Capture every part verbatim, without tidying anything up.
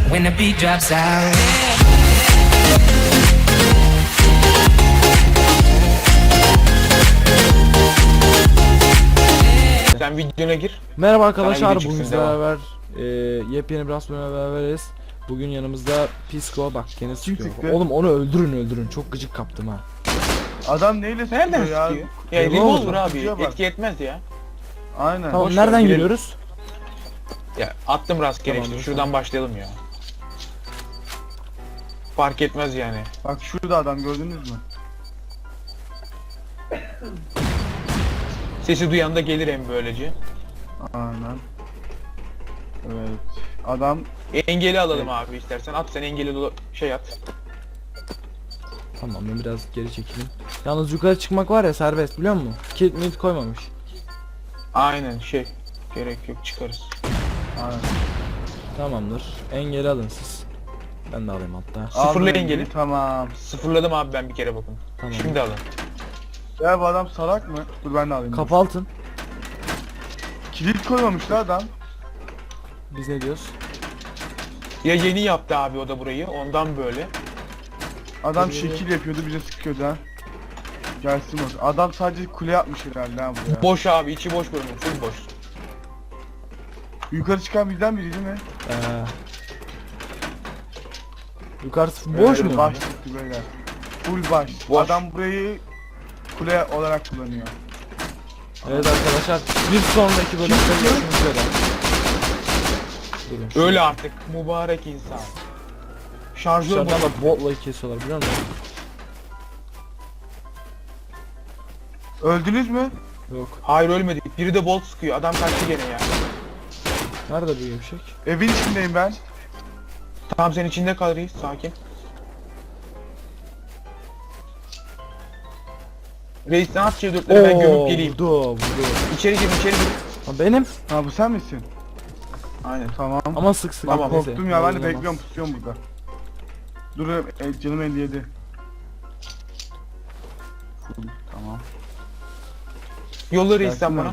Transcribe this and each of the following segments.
when the beat drops out. Sen videona gir. Merhaba arkadaşlar, video bugün çıksın, sizlerle devam. beraber e, yepyeni bir bölümle beraberiz. Bugün yanımızda Pisco, bak gene sıkıyor. çıktı? Oğlum onu öldürün öldürün, çok gıcık kaptım ha. Adam neyle sıkıyor Nereden ya? sıkıyor? Ya Revolver revolver mı? abi Kutuya bak. etki etmez ya. Aynen. Tamam, boş ver, nereden girelim. giriyoruz? Ya attım rastgele Tamam, işte dur, şuradan başlayalım ya. Fark etmez yani. Bak şurada adam gördünüz mü? Sesi duyan da gelir hem böylece. Aynen. Evet. Adam Engeli alalım abi istersen. At sen engeli dola- şey at. Tamam, ben biraz geri çekeyim. Yalnız yukarı çıkmak var ya serbest, biliyor musun? Kilit milit koymamış. Aynen şey. Gerek yok çıkarız. aynen. Tamamdır, engeli alın siz. Ben de alayım hatta. Sıfırla Aldım, engeli. Tamam. Sıfırladım abi ben bir kere bakın. Tamam. Şimdi alın. Ya bu adam salak mı? Dur ben de alayım. Kapı altın. Kilit koymamış la adam. Biz ne diyoruz? Ya yeni yaptı abi o da burayı ondan böyle. Adam Ee, şekil yapıyordu bize sıkıyordu ha. Gelsin bak. Adam sadece kule yapmış herhalde ha buraya. Boş abi içi boş bölümü full boş. Yukarı çıkan bizden biri değil mi? Ee, yukarısı boş Evet, mu? Baş çıktı böyle. Full baş. Boş. Adam burayı kule olarak kullanıyor. Evet arkadaşlar, bir sonraki bölümde görüşmek üzere. Durun, şu- Öyle artık mübarek insan. Şarjör Dışarıdan bozuk. da botla kesiyorlar, biliyor musun? Öldünüz mü? Yok. Hayır ölmedik. Biri de bolt sıkıyor. Adam kaçtı gene ya. Nerede bu gevşek? Evin içindeyim ben. Tamam sen içinde kal reis. Sakin. Reis ne yap C dörtleri ben gömüp geleyim. Vurdu, vurdu. İçeri gir içeri gir. Ha, benim. Ha bu sen misin? Aynen. Tamam. Ama sık sık. Tamam, neyse. Korktum ya ben de Olamaz. bekliyorum pusuyorum burada. Dur e, canım elli yedi. Tamam. Yolla reis sen Gelsin bana. lan.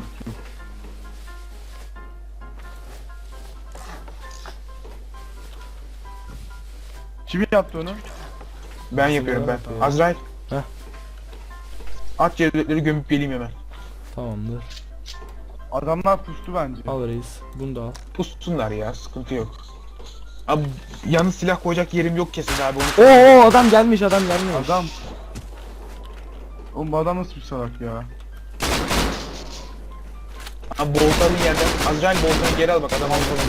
Kim yaptı onu? Ben yapıyorum ben. yapıyor ya? Azrail. Heh. At C dörtleri gömüp geleyim hemen. Tamamdır. Adamlar pustu bence. Al reis. Bunu da al. Pussunlar ya sıkıntı yok. Abi yalnız silah koyacak yerim yok kesin abi onu. Oo, adam gelmiş, adam gelmiş. Adam. Oğlum bu adam nasıl bir salak ya? Abi boltanın yerden. Azrail boltanı geri al bak adam almadı.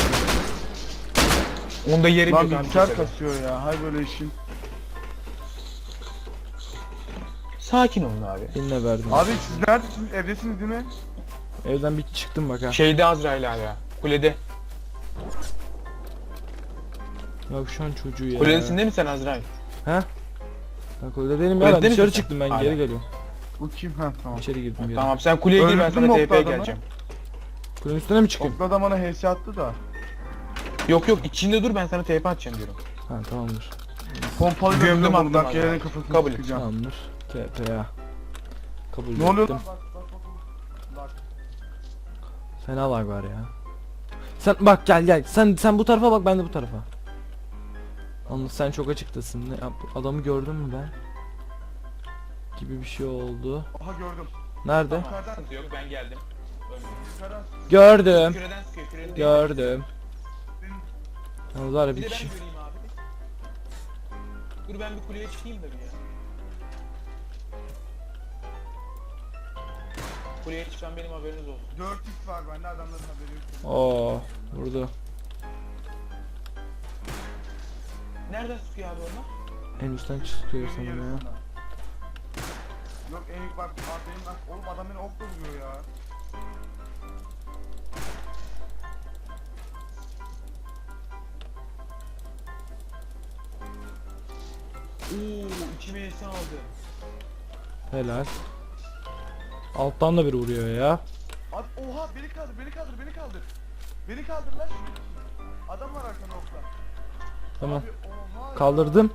Onda yerim Lan yok abi. bilgisayar kimsede. kasıyor ya. Hay böyle işin. Sakin olun abi. Eline verdim. Abi siz neredesiniz? Evdesiniz değil mi? Evden bir çıktım bak ha. Şeyde Azrail abi ya. Kulede. Yavşan çocuğu ya. Kuledesinde mi sen Azrail? He? Bak öyle değilim ya, Kulede ben misin dışarı sen? çıktım, ben Hala. geri geliyorum. Bu kim? Ha tamam. İçeri girdim bir yere. Tamam sen kuleye gir ben Öldürdün sana mü T oklu P'ye adamı? geleceğim. Kulenin üstüne mi çıkayım? Oklu adam bana H S attı da. Yok yok içinde dur ben sana T P atacağım diyorum. Ha, tamamdır. Pompalı Gömdüm gömdüm attım ondan abi. gelenin kafasını Kabul et. sıkacağım. Tamamdır. T P A. Kabul Ne oluyor ettim. lan? Bak bak bak. Bak. Fena lag var ya. Sen bak, gel gel. Sen sen bu tarafa bak, ben de bu tarafa. Anladım, sen çok açıktasın. Ne yap? Adamı gördün mü ben? Gibi bir şey oldu. Aha gördüm. Nerede? Yukarıdan Sıkıntı yok ben geldim. yukarıdan. Gördüm. Küreden sıkıyor küreden. Gördüm. Yalnız var ya Bir bir de ben kişi. göreyim abi. Dur ben bir kuleye çıkayım da bir ya. Kuleye çıksam benim haberiniz olsun. dört x var bende adamların haberi yok. Oo, vurdu. Nereden sıkıyor abi onlar? En üstten çıkıyor Evin sanırım ya. yarısında. Yok en bak abi benim bak oğlum adam beni okla vuruyor ya. Oo içime esen aldı. Helal. Alttan da biri vuruyor ya. Abi oha beni kaldır beni kaldır beni kaldır. Beni kaldır lan. Adam var arkanda okla. Tamam. Abi oha ya. Kaldırdım.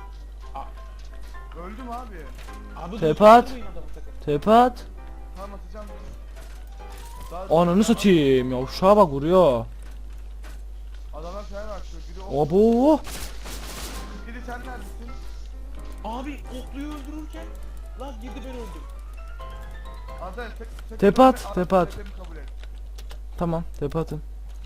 Öldüm abi. Abi Tepe dur, at. vurmayın adamı sakın. Tepe at. Tamam atacağım. Daha- Ananı satayım. Ya uşağa bak, vuruyor. Adamlar falan açıyor. Biri Abo. Biri sen neredesin? Abi okluyu öldürürken lan girdi ben öldüm. Azrail tek tek Tepe kabul at, et, tepe at. tepemi kabul et. Tamam, tepe atın.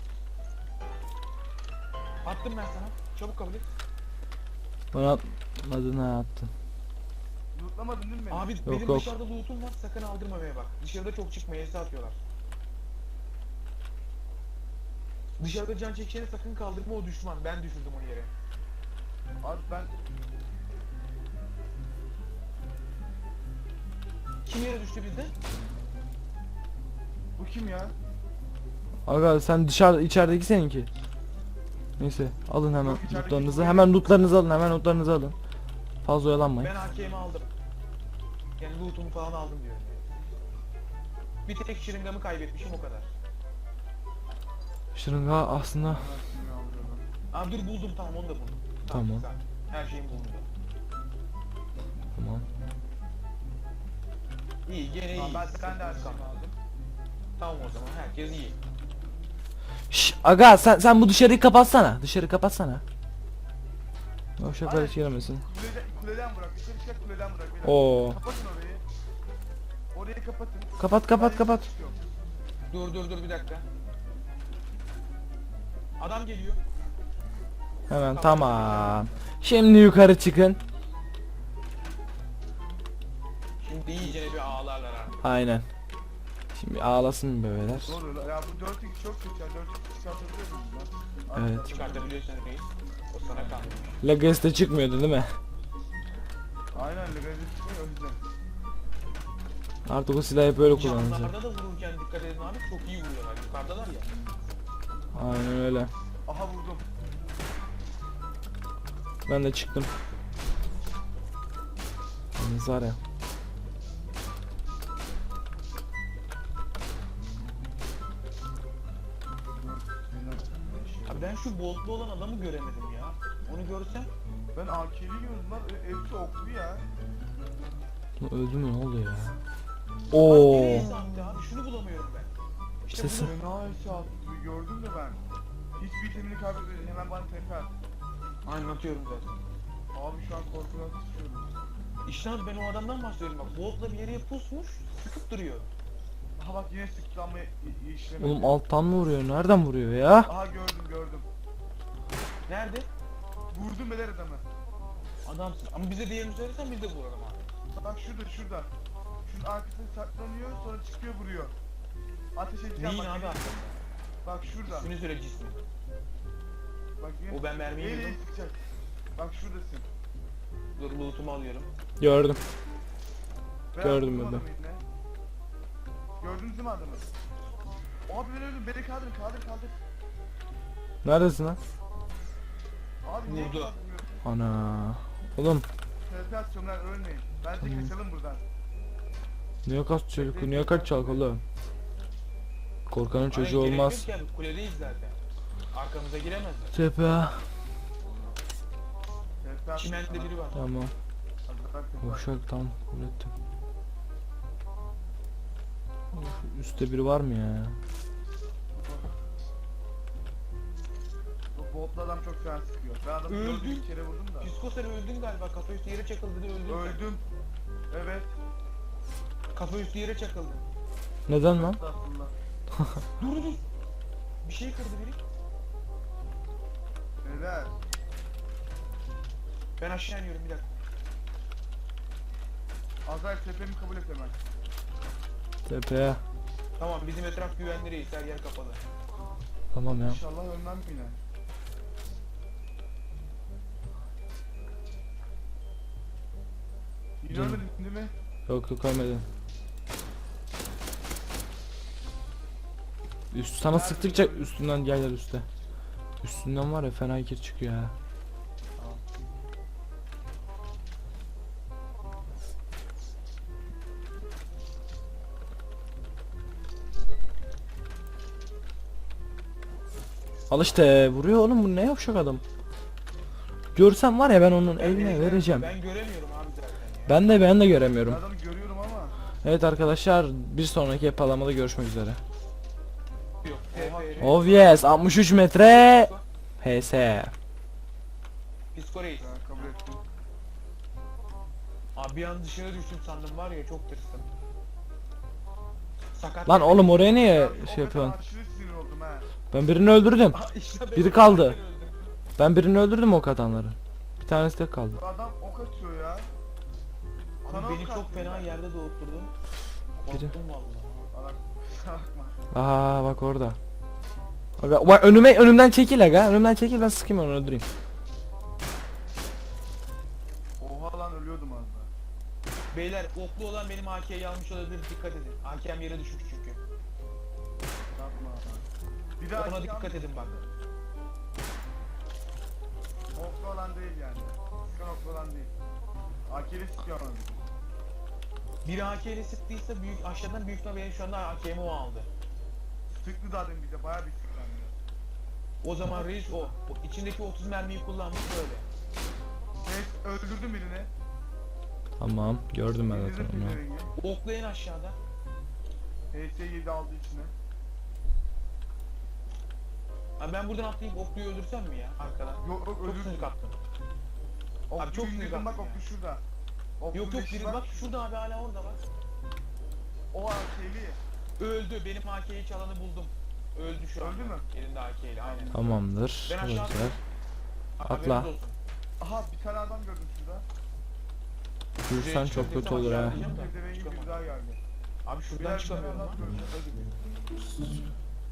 Attım ben sana. Çabuk kabul et. Bana atmadın ha, attın. Lootlamadın değil mi beni? Abi Yok, benim yok. dışarıda loot'um var, sakın aldırmamaya bak. Dışarıda çok çıkmaya elsi atıyorlar. Dışarıda can çekişeni sakın kaldırma, o düşman. Ben düşürdüm onu yere. Abi ben Kim yere düştü bizde? bu kim ya? Aga sen dışarı içerideki seninki. Neyse alın hemen Yok, içerideki lootlarınızı. bu Hemen lootlarınızı alın. Hemen lootlarınızı alın. Fazla oyalanmayın. Ben A K'mi aldım. Yani loot'umu falan aldım diyorum. Bir tek şırıngamı kaybetmişim, o kadar. Şırınga aslında. Ben kimi alıyorum? Abi dur, buldum, tamam, onu da buldum. Tamam. güzel. Her şeyim bulundu. Tamam. İyi, gene iyi. Tamam, ben, ben de her Sıkıntı şeyimi kalmadı. aldım. Tamam, o zaman herkes iyi. Şş, aga sen sen bu dışarıyı kapatsana. Dışarı kapatsana. Yavşaklar Aynen. hiç giremesin. Kuleden, kuleden bırak. Dışarı çıkar kuleden bırak. beyler. Oo. Kapatın orayı. Orayı kapatın. Kapat kapat Ben kapat. çıkıyorum. Dur dur dur bir dakika. Adam geliyor. Hemen tamam. Şimdi yukarı çıkın. Şimdi iyice bir ağlarlar abi. Aynen. Şimdi ağlasın bebeler. Doğru. Ya bu dört x çok kötü ya. dört x çıkartabiliyor muyuz lan? Evet. Çıkartabiliyorsun reis. O sana kalmış. Legacy'de çıkmıyordu değil mi? Aynen legalize çıkıyor o yüzden. Artık o silahı hep böyle kullanacak. Camlarda da vururken dikkat edin abi, çok iyi vuruyorlar. Yukarıdalar ya. Aynen öyle. Aha vurdum. Ben de çıktım. Yalnız var ya. Abi ben şu boltlu olan adamı göremedim ya. Onu görsem. Ben A K'li gördüm lan. E, hepsi oklu ya. Öldü mü, ne oldu ya? Bak Oo. nereye sattı abi, şunu bulamıyorum ben. İşte Sesi. bunu- Fena eşya attı. Gördüm de ben. Hiçbir itemini kaybetmedin. Hemen bana tepe at. Anlatıyorum zaten. Abi şu an korkudan sıçıyorum. İşte abi ben o adamdan bahsediyorum bak. Boltla bir yere pusmuş, sıkıp duruyor. Aha bak yine sıktı ama i- i- işlemedi. Oğlum alttan mı vuruyor? Nereden vuruyor ya? Aha gördüm gördüm. Nerede? Vurdum beder adamı. Adamsın. Ama bize diğerini söylesen biz de vuralım abi. Bak şurada şurada. Şunun arkasına saklanıyor sonra çıkıyor vuruyor. Ateş edeceğim Neyin bak. abi aslında? Bak şurada. İsmini söyle, cismi. Bak yine. O ben mermiyi Neyle yedim. sıkacak? Bak şuradasın. Dur loot'umu alıyorum. Gördüm. Ben Gördüm vurdum ben de. adamı yine. Gördünüz mü adamı? Abi ben öldüm. Beni kaldır kaldır kaldır. Neredesin lan? Abi niye Vurdu. kaldırmıyorsun? Ana. Oğlum T P atacağım lan ölmeyin. Bence Tamam. kaçalım buradan. niye kaç çocuk? Niye kaç çalk oğlum? Korkanın çocuğu Aynen, gerek olmaz. yok ki abi, kuledeyiz zaten. Arkamıza giremezler. Tepe. T P at. Çimende biri var. Tamam. Hadi bak, T P at. Boşak tam kabul ettim. Şu üstte biri var mı ya? Bu botlu adam çok fena sıkıyor. Ben adamı Öldü. gördüm bir kere vurdum da. Psiko sen öldün galiba. Kafa üstü yere çakıldı da öldün. sen. Öldüm. Evet. Kafa üstü yere çakıldı. Neden lan? Aslında. Dur dur. Bir şey kırdı biri. Neler? Ben aşağı iniyorum bir dakika. Azrail tepemi kabul et hemen. Tepeye. Tamam, bizim etraf güvenli reis, her yer kapalı. Tamam ya. İnşallah ölmem yine. Yine Canım. ölmedin değil mi? Yok yok ölmedin. Üst sana sıktıkça üstünden gel gel üstte. Üstünden var ya fena kir çıkıyor ha. Al işte vuruyor oğlum, bu ne yavşak adam. Görsem var ya ben onun eline Ben- vereceğim. Ben göremiyorum abi zaten ya. Ben de ben de Ben göremiyorum. adamı görüyorum ama. Evet arkadaşlar, bir sonraki yapalamada görüşmek üzere. Yok. T F R. Oh yes, altmış üç metre. H S. Disco Reis. Ya, kabul ettim. Abi bir an dışarı düştüm sandım var ya, çok tırstım. Sakat. Lan oğlum oraya niye Ya, o şey kadar yapıyorsun? aşırı sinir oldum ha. Ben birini öldürdüm. Aa, işte ben Biri o kaldı. yüzden öldüm. Ben birini öldürdüm ok atanların. Bir tanesi de kaldı. Bu adam ok atıyor ya. Abi Sana beni ok çok attı fena ya. yerde doğurtturdun. Korktum vallahi. Salak, salak. Aa bak orada. Aga, bak önüme önümden çekil aga. Önümden çekil, ben sıkayım onu, öldüreyim. Oha lan ölüyordum az daha. Beyler oklu olan benim A K'yi almış olabilir, dikkat edin. A K'm yere düşük çünkü. Yapma. Bir daha Ona iki dikkat an- edin bak. Oklu olan değil yani. Sıkan oklu olan değil. Akeli sıkıyor ama. Biri A K ile sıktıysa büyük aşağıdan büyük ihtimalle benim şu anda A K'mi o aldı. Sıktı zaten bize bayağı bir sıklandı. O zaman reis o. O içindeki otuz mermiyi kullanmış böyle. Evet öldürdüm birini. Tamam, gördüm ben zaten İndirdim onu. birini. Oklu en aşağıda. H S yedi aldı içine. Abi ben buradan atlayıp okluyu öldürsem mi ya arkadan? Yok yok Çok öldürdüm. sinir kaptım. Oklu Abi çok indirdim, sinir bak kaptım oklu ya. şurada. Oklu Yok yok leşi biri var. bak şurada abi, hala orada bak. O akeli. Öldü, benim A K'yi çalanı buldum. Öldü şu an. Öldü mü? Elinde A K ile aynen. Tamamdır. Ben Bu aşağı güzel. Haberiniz Atla. olsun. Aha bir tane adam gördüm şurada. Durursan çok kötü olur ha. Pezevengi bir daha geldi. Abi şuradan Birer çıkamıyorum birer lan. adam gördüm.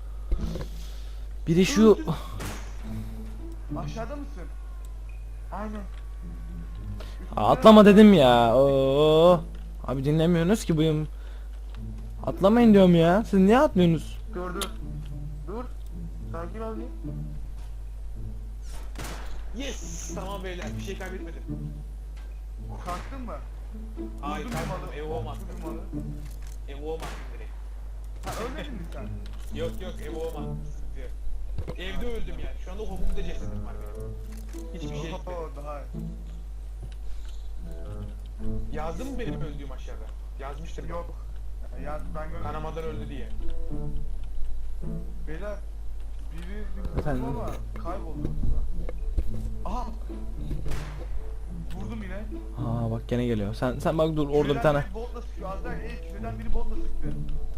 Biri şu Aşağıda mısın? Aynen. Aa, atlama dedim ya. Oo. Abi dinlemiyorsunuz ki buyum. Atlamayın diyorum ya. Siz niye atlıyorsunuz? Dur dur. Dur. Sakin ol bir. Yes! Tamam beyler, bir şey kaybetmedim. Kalktın mı? Hayır, Vurdun mu kalkmadım. malı? Evo olmaz. Vurdun malı. Evo olmaz direkt. Ha ölmedin mi sen? Yok yok, Evo olmaz. Sıkıntı yok. Evde öldüm yani. Şu anda hobumda cesedim var benim. Hiçbir şey gitmedi. Oo, daha iyi. Yazdın mı benim öldüğüm aşağıda? Yazmıştır. Yok. Ya ben görmedim. Kanamadan öldü diye. Beyler biri bir Efendim? vurdum ama kayboldu burada. Aha! Vurdum yine. Aa bak gene geliyor. Sen sen bak dur orada bir Küreden tane. biri botla sıkıyor. Az daha ey küreden biri botla sıktı.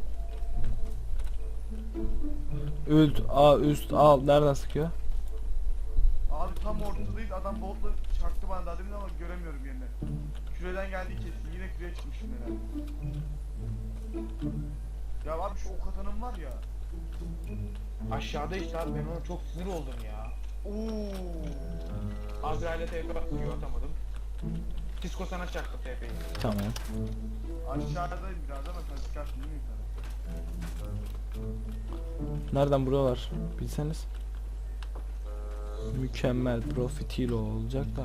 Üst, a üst, al. Nereden sıkıyor? Abi tam ortadayız adam botla çaktı bana daha demin ama göremiyorum yerini. Küreden geldi kesin yine küreye çıkmışım herhalde. Ya abi şu ok atanım var ya. Aşağıda işte abi, ben ona çok sinir oldum ya. Ooo. Azrail'e T P atıyor, atamadım. Disco sana çaktı T P'yi. Tamam. Aşağıdayım biraz ama sen çıkarsın değil mi sana? Nereden buralar? Bilseniz. Mükemmel profitilo olacak da.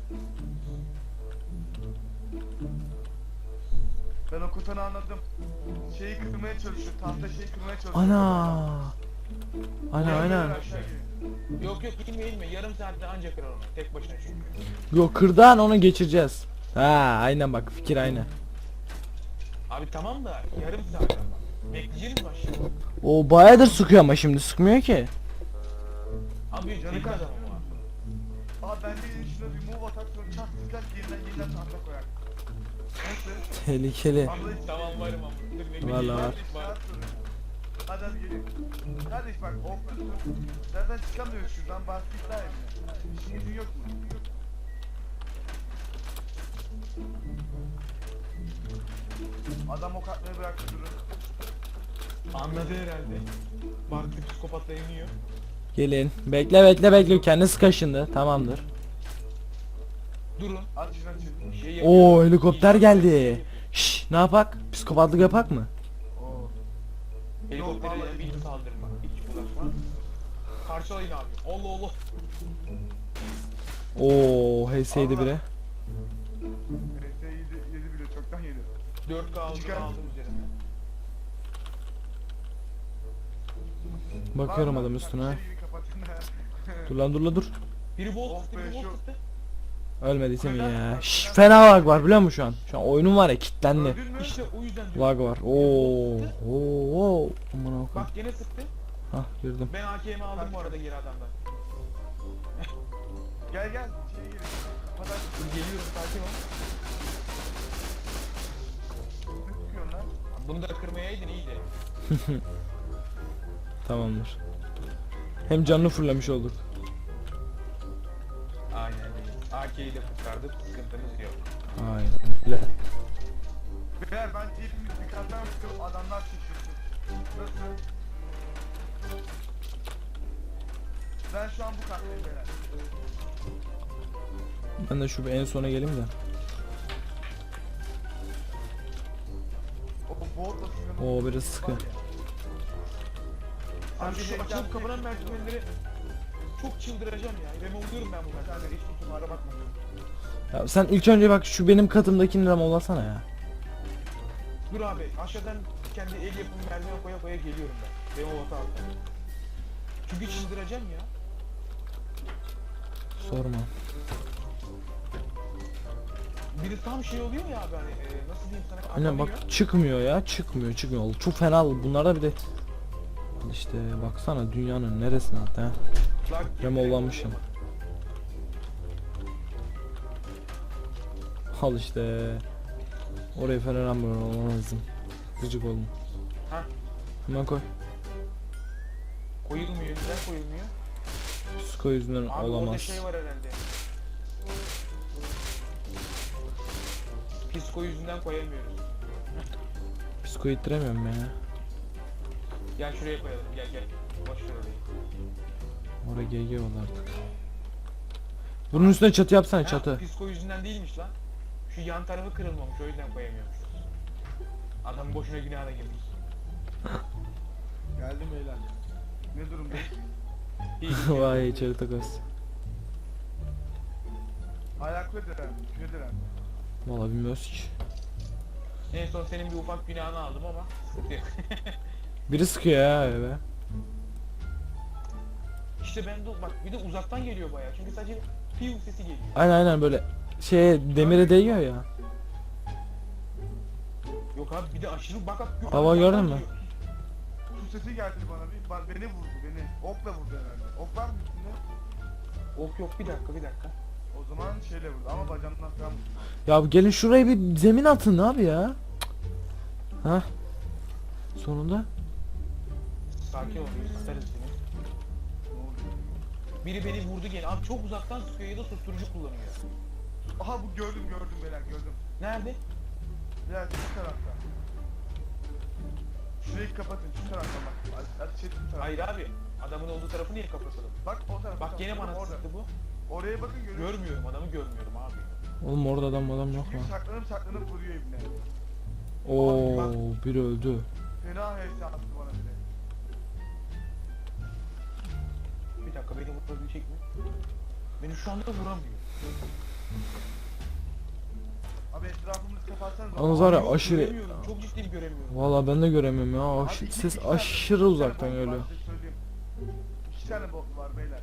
Ben o kutanı anladım. Şeyi kırmaya çalışıyor, tahta şeyi kırmaya çalışıyor. Ana. Aynen Gel, gel, aynen. aşağı gel. Yok yok, inme inme, yarım saatte ancak kırar onu. Tek başına çünkü. Yok kırdan onu geçireceğiz. Ha aynen bak fikir aynı. Abi tamam da yarım saat ama. Bekleyeceğiz mi aşağıda? O bayağıdır sıkıyor ama şimdi sıkmıyor ki. Abi Canı tek kaç? adam o. Aa ben de şuna bir move atak sonra çat sıkar yeniden yeniden tahta koyar. Nasıl? Tehlikeli. Anladın Tamam varım ama. Dur bekle. Vallahi var. Kardeş rahat durun. Hadi hadi gelin. Kardeş bak oklusun. Zaten çıkamıyoruz şuradan bastık daha evine. İşin gücün yok mu? Adam ok atmayı bıraktı durun. Anladı herhalde. Baktı psikopatla iniyor. Gelin. Bekle bekle bekle. Kendisi kaşındı. Tamamdır. Durun. At şunu açın. Şey Oo yapıyorum. helikopter İyi- geldi. Şş ne yapak? Psikopatlık yapak mı? Oo. Helikoptere Yok, vallahi- bir saldırma. Hiç bulaşma. Parçalayın abi. Allah Allah. Oo H S'ydi biri. Evet yedi, yedi bile çoktan yedi. dört K aldım, Çıkar. aldım üzerine. Bakıyorum Var mı? adam üstüne. Şeyi kapatın. Dur lan dur lan dur. Biri bolt Oh sıktı, be, biri bolt şu- sıktı. Ölmediysem iyi ya. Şş fena lag var biliyor musun şu an? Şu an oyunum var ya kilitlendi. Öldün mü? İşte o yüzden diyorum. Lag var. Oo. Oo. Oo. Aman Allah'ım. Bak gene sıktı. Hah girdim. Ben A K'mi aldım bu arada geri adamdan. Gel gel içeri girin. Kapat aç. Dur geliyorum sakin ol. Ne tutuyorsun lan? Bunu da kırmayaydın iyiydi. Tamamdır. Hem canını fırlamış olduk. Aynen öyle. A K'yi de kurtardık. Sıkıntımız yok. Aynen öyle. Beyler ben hepimiz bir kattan çıkıp adamlar çıksın. Nasıl? Ben şu an bu kattayım beyler. Ben de şu bir en sona geleyim de. O boğutla sınırlı. Oo biraz sıkı. Abi Abi şu şey açılıp yapmayın. kapanan merdivenleri çok çıldıracağım ya. Remove'luyorum ben bu merdivenleri. Hiç kutumlara bakmadım. Ya sen ilk önce bak şu benim katımdakini remove'lasana ya. Dur abi aşağıdan kendi el yapımı merdiven koya koya geliyorum ben. Remove ata altta. Çünkü çıldıracağım ya. Sorma. Bir de tam şey oluyor ya abi hani e, nasıl diyeyim sana Aynen atamıyor. bak çıkmıyor ya çıkmıyor çıkmıyor. Çok fena bunlarda bir de. Al işte baksana dünyanın neresine hatta ha. Lag Remove'lanmışım. Al işte. Oraya falan olmam lazım. Gıcık oldum. Ha Hemen koy. koyulmuyor neden koyulmuyor? Psiko yüzünden Abi orada olamaz. şey var herhalde. Psiko yüzünden koyamıyoruz. Psiko ittiremiyorum ya. Gel şuraya koyalım gel gel. Boş ver orayı. Oraya G G oldu artık. Bunun üstüne çatı yapsana Ha, çatı. Psiko yüzünden değilmiş lan. Şu yan tarafı kırılmamış o yüzden koyamıyormuşuz. Adam boşuna günahına girmiş. Geldim beyler. Ne durumda? İyi. Vay içeri takas. Ayaklı diren, küre diren. Valla bilmiyoruz ki. En son senin bir ufak günahını aldım ama sıkıntı yok. Biri sıkıyor ya eve. İşte ben de bak bir de uzaktan geliyor bayağı çünkü sadece piu sesi geliyor. Aynen aynen böyle şeye demire değiyor ya. Yok abi bir de aşırı bak bak. Baba uzaktan gördün mü? geliyor. Su sesi geldi bana bir, ba- beni vurdu beni. Okla vurdu herhalde. Ok var mı üstünde? Ok yok bir dakika bir dakika. O zaman şeyle vurdu ama bacağımdan falan vurdu. Ya gelin şuraya bir zemin atın abi ya. Ha? Sonunda. Sakin ol biz tutarız seni. Ne oluyor? Biri beni vurdu gene. Abi çok uzaktan sıkıyor ya da susturucu kullanıyor. Aha bu gördüm gördüm beyler gördüm. Nerede? Beyler şu tarafta. Şurayı kapatın şu taraftan bak. A- Ateş ettim tarafta. Hayır abi. Adamın olduğu tarafı niye kapatalım? Bak o tarafa. Bak gene bana orada. sıktı bu. Oraya bakın görüyorsunuz. Görmüyorum adamı görmüyorum abi. Oğlum orada adam adam yok mu? Çünkü saklanıp saklanıp vuruyor ibne. Oo biri öldü. Fena hevesi attı bana bile. Bir dakika beni vurabilecek mi? Beni şu anda vuramıyor. Abi etrafımızı kapatsanız. Yalnız var ya Yok, aşırı. göremiyorum. Çok ciddiyim göremiyorum. Valla ben de göremiyorum ya. Abi Aş- iki- ses iki tane- aşırı iki uzaktan tane bot var, geliyor. size söyleyeyim. İki tane bot var beyler.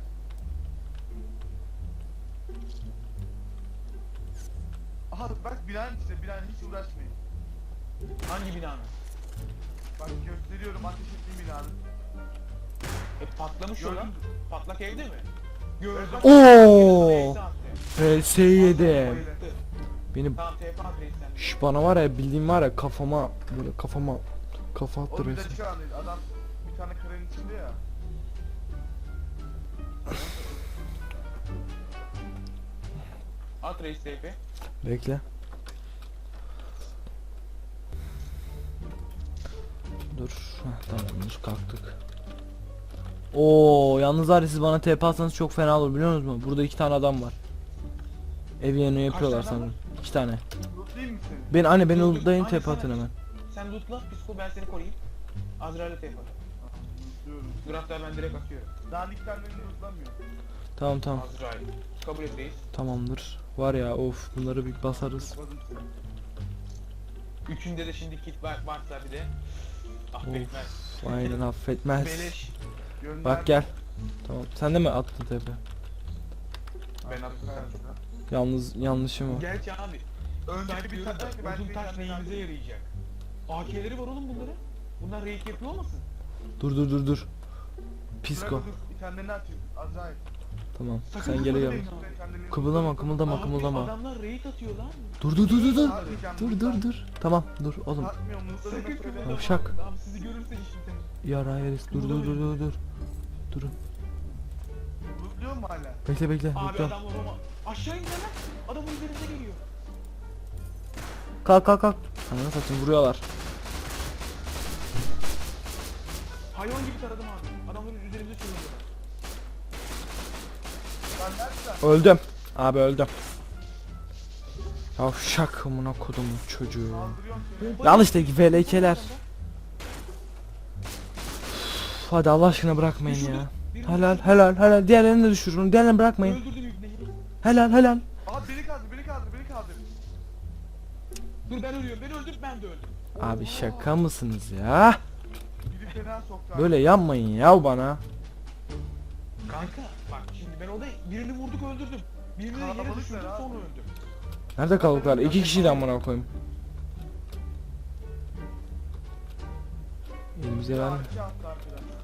Aha bak binanın içinde binanın hiç uğraşmayın. Hangi binanın? Bak gösteriyorum ateş ettiğim binanın. E patlamış o lan. Gördün mü? Patlak evde mi? Gördüm. Oo! Neyse attı. R S yedi. Bayılır. Beni Tamam T P at reisten. Şş, bana var ya bildiğim var ya kafama böyle kafama kafa O attı bir de resmen. çıkan değil. Adam bir tane karenin içinde ya. At reis T P. Bekle. Dur. Heh, tamamdır kalktık. Oo yalnız var ya siz bana T P atsanız çok fena olur biliyor musunuz? Burada iki tane adam var. Ev yerini yapıyorlar tane adam sanırım. İki tane. Lootlayayım mı seni? Ben anne beni Dur, dur, uludayın anne T P sana- atın hemen. Sen lootla. Psiko ben seni koruyayım. Azrail'e T P at. Lootluyorum. Dur hatta ben direkt atıyorum. Dandiklerlerini lootlamıyor. Tamam tamam Azrail. Kabul et reis. tamamdır. Var ya of bunları bir basarız. Lootladım seni. Üçünde de şimdi kit var, varsa bir de affetmez. Aynen affetmez. Beleş. Gönder. Bak gel. Tamam. Sen de mi attın T P? Ben attım karşına. Yalnız yanlışım var. Gerçi abi. Önceki Önce bir bir tane tane ki ben uzun senin taş yanına neyimize geldim. yarayacak. A K'leri var oğlum bunların. Bunlar rake yapıyor olmasın? Dur dur dur dur. Bırak Psiko. dur, bir tane ne atayım? Acayip. Tamam. Sakın Sen geri kıpırdama gel. deyin. Bir tane Kımıldama kımıldama Abi kımıldama. adamlar raid atıyor lan. Dur dur dur dur dur. Atmayacağım, Dur lütfen. dur dur. Tamam dur oğlum. Atmıyorum mutlu Sakın söyle. kımıldama. Yavşak. Abi sizi görürse işin Ya Rayes dur dur dur dur dur. Durun. Mutluyor mu hala? Bekle bekle. Abi bekle. adam Roma. Aşağı indi lan. Adamın üzerinde geliyor. Kalk kalk kalk. Ananı satayım vuruyorlar. Hayvan gibi taradım abi. Adamların üzerimize sürüyorlar. Lan nereden? Öldüm. Abi öldüm. Yavşak amına kodumun çocuğu. Kaldırıyorum seni. Bombayı- Al işte V L K'ler. Üf, hadi Allah aşkına bırakmayın Düşürdüm. ya. Birini Helal düşürdüm. helal helal. Diğerlerini de düşürün. Diğerlerini bırakmayın. Öldürdüm ibneyi. Helal helal. Abi beni kaldır, beni kaldır, beni kaldır. Dur ben ölüyorum. Ben öldüm ben de öldüm. Abi şaka mısınız ya? Biri fena soktu abi. Böyle yanmayın ya bana. Kanka bak şimdi ben orada birini vurduk öldürdüm. Birini de yere Kalabalıklar düşürdüm abi. sonra öldüm. Nerede kaldılar? İki kişi de amına koyayım. Elimize ver. Abi, iki attı arkadan.